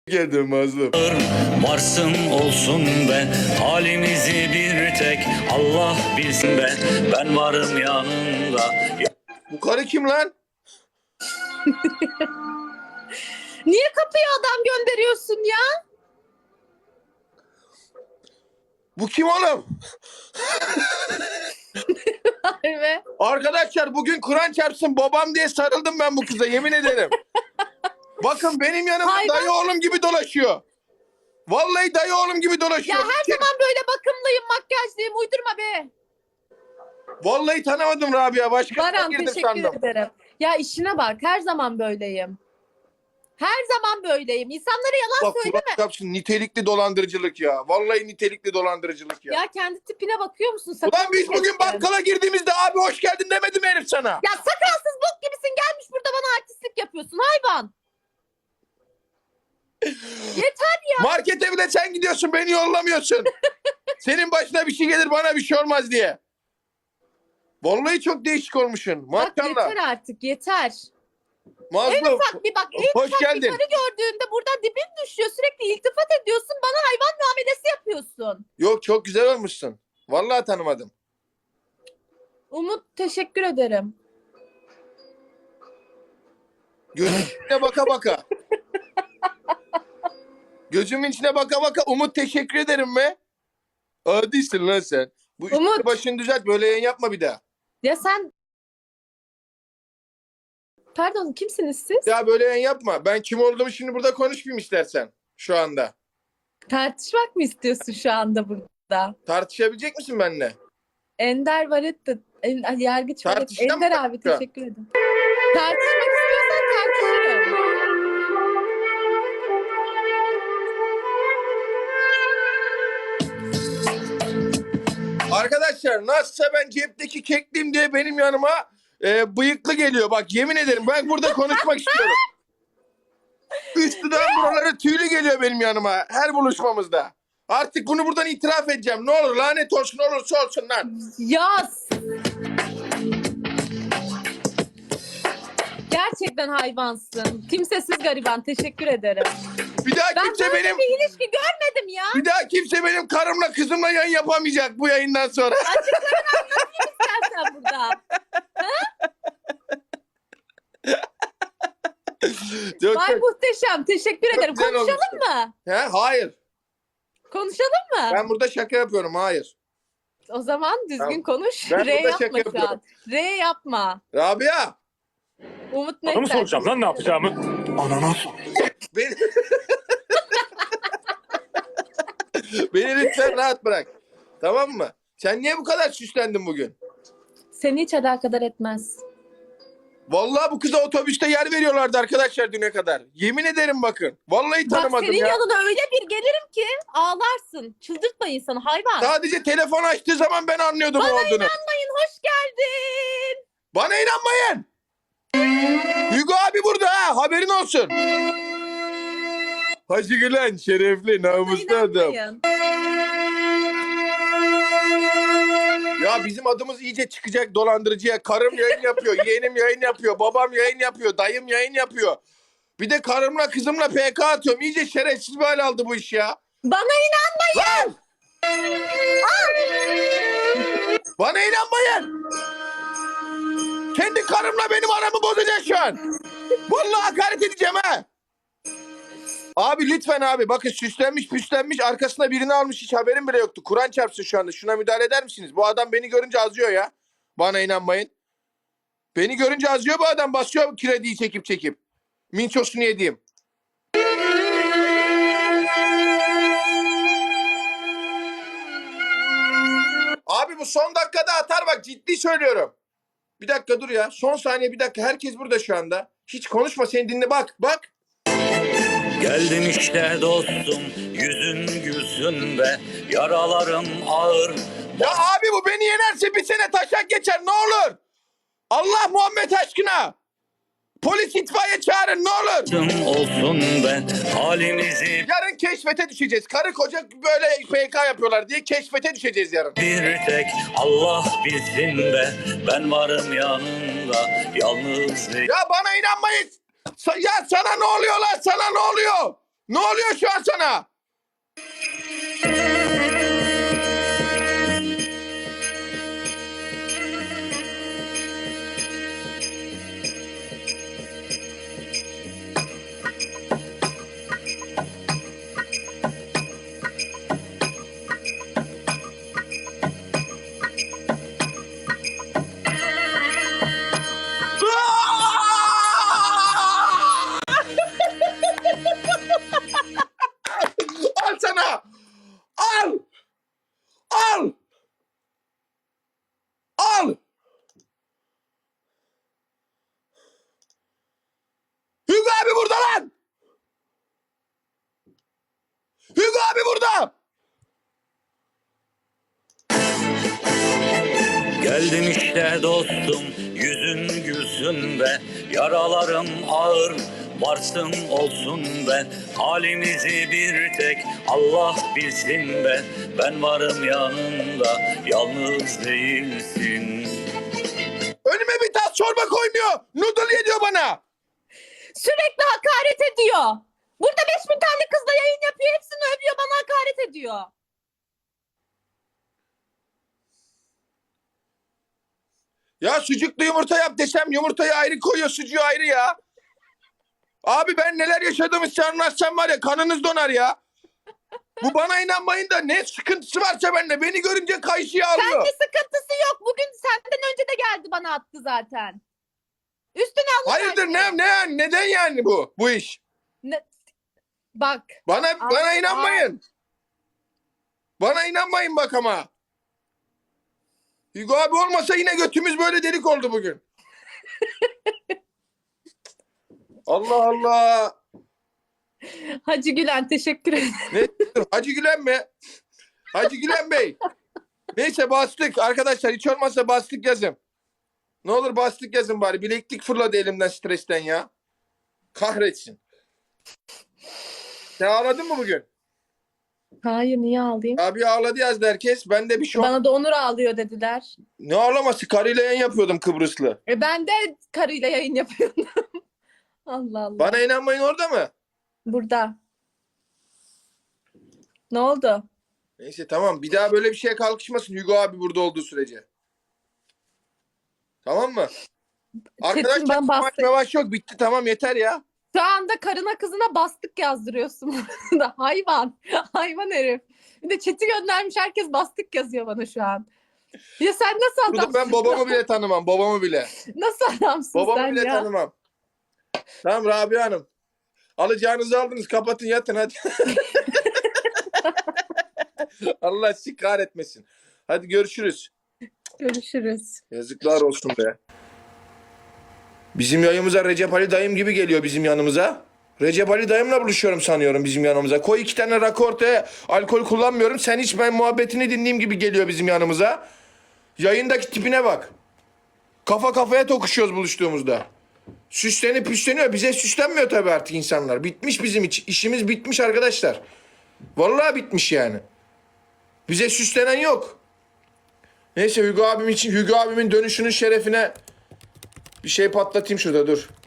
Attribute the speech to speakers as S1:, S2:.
S1: Geldim mazlum.
S2: Varsın olsun be, halimizi bir tek Allah bilsin be. Ben varım yanında.
S1: Bu karı kim lan?
S3: Niye kapıya adam gönderiyorsun ya?
S1: Bu kim oğlum?
S3: Harbi.
S1: Arkadaşlar bugün Kur'an çarpsın babam diye sarıldım ben bu kıza, yemin ederim. Bakın benim yanımda
S3: Hayvan.
S1: dayı oğlum gibi dolaşıyor. Vallahi dayı oğlum gibi
S3: Ya
S1: dolaşıyor.
S3: her zaman böyle bakımlıyım, makyajlıyım. Uydurma be.
S1: Vallahi tanımadım Rabia. Başka
S3: Baran
S1: girdim
S3: teşekkür
S1: sandım.
S3: ederim. Ya işine bak. Her zaman böyleyim. Her zaman böyleyim. İnsanlara yalan
S1: Bak
S3: söyleme.
S1: Kur'an çarpsın, nitelikli dolandırıcılık ya. Vallahi nitelikli dolandırıcılık ya.
S3: Ya kendi tipine bakıyor musun? Sakalını
S1: Ulan biz bugün
S3: kestin.
S1: bakkala girdiğimizde abi hoş geldin demedi mi herif sana?
S3: Ya sakalsız bok gibisin, gelmiş burada bana artistlik yapıyorsun hayvan. Yeter ya.
S1: Markete bile sen gidiyorsun, beni yollamıyorsun. Senin başına bir şey gelir, bana bir şey olmaz diye. Vallahi çok değişik olmuşsun.
S3: Bak
S1: Maşallah.
S3: yeter artık, yeter. En
S1: Mazlum.
S3: ufak bir bak, en
S1: Hoş
S3: ufak
S1: geldin.
S3: bir karı gördüğünde buradan dibin düşüyor. Sürekli iltifat ediyorsun. Bana hayvan muamelesi yapıyorsun.
S1: Yok, çok güzel olmuşsun. Vallahi tanımadım.
S3: Umut teşekkür ederim.
S1: Gözümün içine baka baka. Gözümün içine baka baka Umut teşekkür ederim mi? Adisin lan sen. Bu üstünü
S3: Umut.
S1: başını düzelt, böyle yayın yapma bir daha.
S3: Ya sen... Pardon, kimsiniz siz?
S1: Ya böyle yayın yapma. Ben kim olduğumu şimdi burada konuşmayayım istersen. Şu anda.
S3: Tartışmak mı istiyorsun şu anda burada?
S1: Tartışabilecek misin benimle?
S3: Ender Varet Yargıç Varet.
S1: Tartışacağım
S3: Ender
S1: mı?
S3: abi teşekkür ederim. Tartışmak istiyorsan tartışırım.
S1: Arkadaşlar nasılsa ben cepteki kekliyim diye benim yanıma bıyıklı geliyor. Bak yemin ederim ben burada konuşmak istiyorum. Üstüden buraları tüylü geliyor benim yanıma her buluşmamızda. Artık bunu buradan itiraf edeceğim. Ne olur lanet olsun, olursa olsun lan.
S3: Yaz. Gerçekten hayvansın. Kimsesiz gariban. Teşekkür ederim.
S1: Bir daha
S3: Ben
S1: kimse
S3: böyle
S1: benim
S3: bir ilişki görmedim ya.
S1: bir daha kimse benim karımla kızımla yayın yapamayacak bu yayından sonra.
S3: Açıklarını anlatayım istersen burada.
S1: Çok
S3: Vay muhteşem. Teşekkür ederim.
S1: güzel
S3: Konuşalım
S1: olmuşsun.
S3: mı?
S1: He? Hayır.
S3: Konuşalım mı?
S1: Ben burada şaka yapıyorum. Hayır.
S3: O zaman düzgün
S1: Tamam.
S3: konuş.
S1: Ben
S3: R
S1: burada
S3: yapma
S1: şaka
S3: şu an.
S1: yapıyorum.
S3: R yapma.
S1: Rabia.
S3: Umut
S2: Bana mı
S3: Mekter.
S2: soracağım lan ne yapacağımı? Ananas.
S1: Beni... Beni lütfen rahat bırak. Tamam mı? Sen niye bu kadar süslendin bugün?
S3: Seni hiç alakadar etmez.
S1: Vallahi bu kıza otobüste yer veriyorlardı arkadaşlar düne kadar. Yemin ederim bakın. Vallahi
S3: Bak
S1: tanımadım
S3: senin
S1: ya.
S3: yanına öyle bir gelirim ki ağlarsın. Çıldırtma insanı hayvan.
S1: Sadece telefon açtığı zaman ben anlıyordum
S3: Bana
S1: o olduğunu.
S3: inanmayın, hoş geldin.
S1: Bana inanmayın. Hugo abi burada ha, haberin olsun. Hacı Gülen şerefli
S3: Bana
S1: namuslu adam.
S3: inanmayın.
S1: Ya bizim adımız iyice çıkacak dolandırıcıya. Karım yayın yapıyor, yeğenim yayın yapıyor, babam yayın yapıyor, dayım yayın yapıyor. Bir de karımla kızımla PK atıyorum. İyice şerefsiz bir hal aldı bu iş ya.
S3: Bana inanmayın.
S1: Lan! Bana inanmayın. Kendi karımla benim aramı bozacaksın şu an. Vallahi hakaret edeceğim ha. Abi lütfen abi, bakın süslenmiş püslenmiş arkasına birini almış, hiç haberim bile yoktu. Kur'an çarpsın şu anda, şuna müdahale eder misiniz? Bu adam beni görünce azıyor ya. Bana inanmayın. Beni görünce azıyor bu adam, basıyor krediyi çekip çekip. Minçosunu yediğim. Abi bu son dakikada atar bak, ciddi söylüyorum. Bir dakika dur ya. Son saniye, bir dakika. Herkes burada şu anda. Hiç konuşma, seni dinle, bak bak.
S2: Geldim işte dostum, yüzün gülsün be. Yaralarım ağır.
S1: Ya abi bu beni yenerse bir sene taşak geçer, ne olur. Allah Muhammed aşkına. Polis itfaiye çağırın ne olur.
S2: Varsın olsun be, halimizi
S1: Yarın keşfete düşeceğiz. Karı koca böyle PK yapıyorlar diye keşfete düşeceğiz yarın.
S2: bir tek Allah bilsin be. Ben varım yanında, yalnız değil.
S1: Ya bana inanmayın. Ya sana ne oluyor lan? Sana ne oluyor? Ne oluyor şu an sana? Al sana. Al. Al. Al. Hugo abi burada lan. Hugo abi burada.
S2: Geldim işte dostum, yüzün gülsün be, yaralarım ağır, varsın olsun be. Halimizi bir tek Allah bilsin be, ben varım yanında, yalnız değilsin.
S1: Önüme bir tas çorba koymuyor. Noodle yediyor bana.
S3: Sürekli hakaret ediyor. Burada 5000 tane kızla yayın yapıyor. Hepsini övüyor, bana hakaret ediyor.
S1: Ya sucuklu yumurta yap desem yumurtayı ayrı koyuyor, sucuğu ayrı ya. Abi ben neler yaşadığımı size anlatsam var ya kanınız donar ya. Bu bana inanmayın da ne sıkıntısı varsa bende beni görünce kayışıya alıyor.
S3: Sende sıkıntısı yok. Bugün senden önce de geldi, bana attı zaten. Üstüne alın.
S1: Hayırdır neden yani bu iş?
S3: Bak.
S1: Bana inanmayın. Bana inanmayın bak ama. Hugo abi olmasa yine götümüz böyle delik oldu bugün. Allah Allah.
S3: Hacı Gülen teşekkür ederim.
S1: Ne? Hacı Gülen mi? Hacı Gülen Bey. Neyse bastık. Arkadaşlar hiç olmazsa bastık yazın. Ne olur bastık yazın bari. Bileklik fırladı elimden stresten ya. Kahretsin. Sen ağladın mı bugün?
S3: Hayır, niye ağlayayım?
S1: Abi ağladı yazdı herkes. Ben de bir şey
S3: Bana da Onur ağlıyor dediler.
S1: Ne ağlaması? Karıyla yayın yapıyordum Kıbrıslı.
S3: Ben de karıyla yayın yapıyordum. Allah Allah.
S1: Bana inanmayın orada mı?
S3: Burada. Ne oldu?
S1: Neyse tamam. Bir daha böyle bir şeye kalkışmasın Hugo abi burada olduğu sürece. Tamam mı? Arkadaşlar
S3: bana
S1: maç
S3: bastı.
S1: mevaş yok. Bitti tamam yeter ya.
S3: Şu anda karına kızına bastık yazdırıyorsun. Hayvan. Hayvan herif. Bir de chat'i göndermiş, herkes bastık yazıyor bana şu an. Ya sen nasıl
S1: Burada
S3: adamsın?
S1: ben babamı bile tanımam. Babamı bile.
S3: Nasıl adamsın
S1: Babamı
S3: sen
S1: bile
S3: ya?
S1: tanımam. Tamam Rabia Hanım. Alacağınızı aldınız. Kapatın yatın hadi. Allah sizi kahretmesin. Hadi görüşürüz.
S3: Görüşürüz.
S1: Yazıklar olsun be. Bizim yayımıza Recep Ali dayım gibi geliyor bizim yanımıza. Recep Ali dayımla buluşuyorum sanıyorum bizim yanımıza. Koy 2 tane rakı ortaya, alkol kullanmıyorum. Sen hiç ben muhabbetini dinleyeyim gibi geliyor bizim yanımıza. Yayındaki tipine bak. Kafa kafaya tokuşuyoruz buluştuğumuzda. Süslenip püsleniyor. Bize süslenmiyor tabii artık insanlar. Bitmiş bizim işimiz bitmiş arkadaşlar. Vallahi bitmiş yani. Bize süslenen yok. Neyse Hugo abim için, Hugo abimin dönüşünün şerefine bir şey patlatayım şurada dur.